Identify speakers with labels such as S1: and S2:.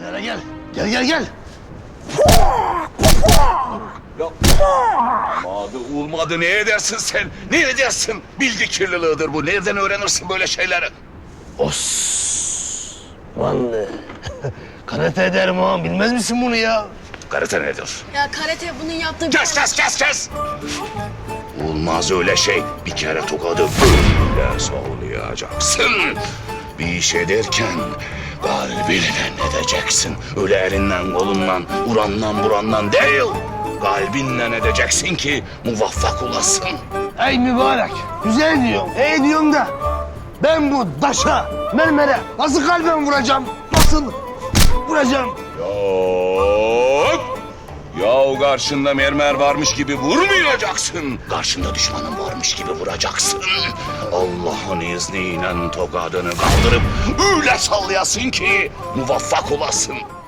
S1: Gel hele gel. Gel gel gel.
S2: Ya olmadı, olmadı. Ne edersin sen? Ne edersin? Bilgi kirliliğidir bu. Nereden öğrenirsin böyle şeyleri?
S1: Osmanlı. Karate ederim ağam. Bilmez misin bunu ya?
S2: Karate nedir?
S3: Ya karate bunun yaptığı...
S2: Kes! Olmaz öyle şey. Bir kere tokadı böyle sallayacaksın. Bir iş ederken kalbinle edeceksin. Öyle elinden kolundan, urandan burandan değil. Kalbinle edeceksin ki muvaffak olasın.
S1: Ey mübarek. Güzel diyorsun. İyi diyorsun da. Ben bu daşa, mermere nasıl kalben vuracağım? Nasıl vuracağım?
S2: Yok. Ya karşında mermer varmış gibi vurmayacaksın. Karşında düşmanın varmış gibi vuracaksın. Allah'ın izniyle tokadını kaldırıp öyle sallayasın ki muvaffak olasın.